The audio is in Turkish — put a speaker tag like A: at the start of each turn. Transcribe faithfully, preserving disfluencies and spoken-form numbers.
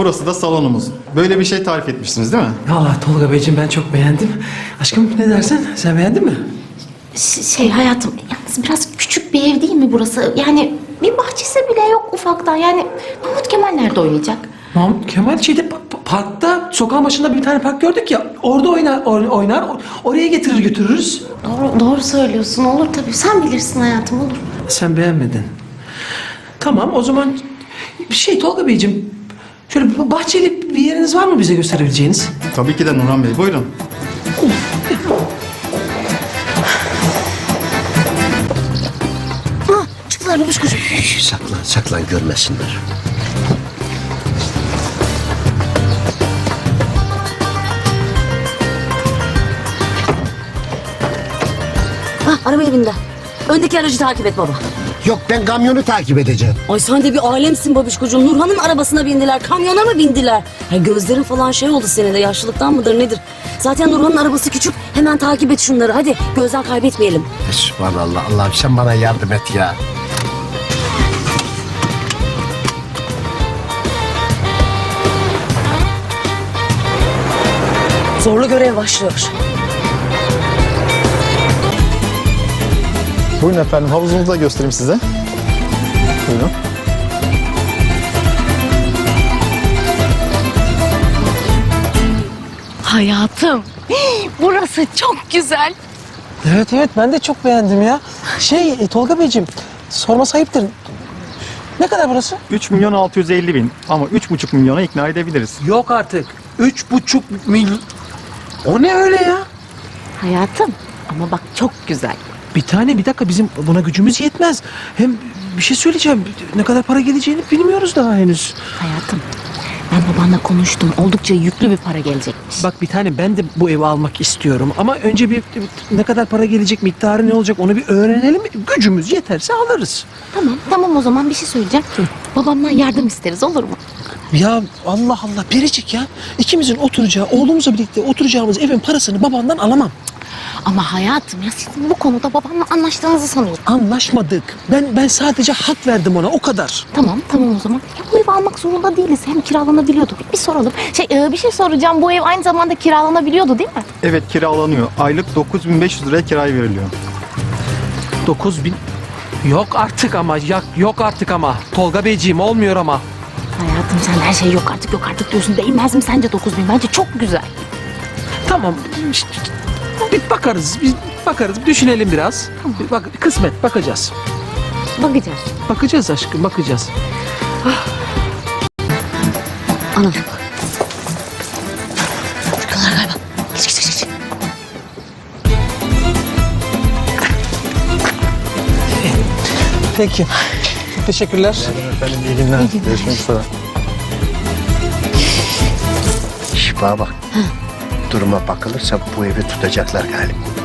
A: Burası da salonumuz. Böyle bir şey tarif etmiştiniz değil mi?
B: Vallahi Tolga Beyciğim ben çok beğendim. Aşkım ne dersin? Sen beğendin mi?
C: Ş- Şey hayatım, yalnız biraz küçük bir ev değil mi burası? Yani bir bahçesi bile yok ufaktan. Yani Mahmut Kemal nerede oynayacak?
B: Mahmut Kemal şeyde pa- pa- parkta, sokağın başında bir tane park gördük ya. Orada oynar, or- oynar. or- oraya getirir götürürüz.
C: Doğru, doğru söylüyorsun. Olur tabii. Sen bilirsin hayatım, olur.
B: Sen beğenmedin. Tamam o zaman bir şey Tolga Beyciğim. Şöyle bir bahçeli bir yeriniz var mı bize gösterebileceğiniz?
A: Tabii ki de Nurhan Bey. Buyurun.
C: Ha, çıktılar babuş kuşum.
D: Şş, saklan saklan görmesinler.
E: Ha, arabaya bindi. Öndeki aracı takip et baba.
D: Yok ben kamyonu takip edeceğim.
E: Ay sen de bir alemsin babişkocuğum. Nurhan'ın arabasına bindiler, kamyona mı bindiler? Ha, gözlerin falan şey oldu senin de, yaşlılıktan mıdır nedir? Zaten Nurhan'ın arabası küçük. Hemen takip et şunları. Hadi gözden kaybetmeyelim.
D: Sübhanallah Allah'ım sen bana yardım et ya.
E: Zorlu görev başlıyor.
A: Buyurun efendim. Havuzumuzu da göstereyim size. Buyurun.
C: Hayatım, burası çok güzel.
B: Evet evet ben de çok beğendim ya. Şey e, Tolga Beyciğim sorması ayıptır. Ne kadar burası?
A: üç milyon altı yüz elli bin ama üç buçuk milyona ikna edebiliriz.
B: Yok artık. Üç buçuk milyon. O ne öyle ya?
C: Hayatım, ama bak çok güzel.
B: Bir tane bir dakika bizim buna gücümüz yetmez. Hem bir şey söyleyeceğim. Ne kadar para geleceğini bilmiyoruz daha henüz.
C: Hayatım, ben babanla konuştum. Oldukça yüklü bir para gelecekmiş.
B: Bak bir tane ben de bu evi almak istiyorum. Ama önce bir ne kadar para gelecek, miktarı ne olacak onu bir öğrenelim. Gücümüz yeterse alırız.
C: Tamam, tamam o zaman bir şey söyleyeceğim. Babamdan yardım isteriz, olur mu?
B: Ya Allah Allah Biricik ya. İkimizin oturacağı, oğlumuzla birlikte oturacağımız evin parasını babandan alamam.
C: Ama hayatım ya siz bu konuda babamla anlaştığınızı sanıyorum.
B: Anlaşmadık. Ben ben sadece hak verdim ona o kadar.
C: Tamam, tamam o zaman. Ya bu evi almak zorunda değiliz. Hem kiralanabiliyordu. Bir, bir soralım. Şey, e, bir şey soracağım. Bu ev aynı zamanda kiralanabiliyordu değil mi?
A: Evet kiralanıyor. Aylık dokuz bin beş yüz liraya kiraya veriliyor.
B: Dokuz bin. Yok artık ama yok, yok artık ama. Tolga Beyciğim olmuyor ama.
C: Hayatım sen her şey yok artık yok artık diyorsun. Değmez mi sence dokuz bin? Bence çok güzel.
B: Tamam. işte Bir bakarız. Biz bakarız. Düşünelim biraz. Bir Bak kısmet bakacağız.
C: Bakacağız.
B: Bakacağız aşkım bakacağız.
E: Anam. Şuradalar galiba. Geç geç geç. geç.
B: Peki. Çok teşekkürler.
A: Efendim iyi günler. Görüşmek üzere.
D: Şş, bana bak. Duruma bakılırsa bu evi tutacaklar galiba.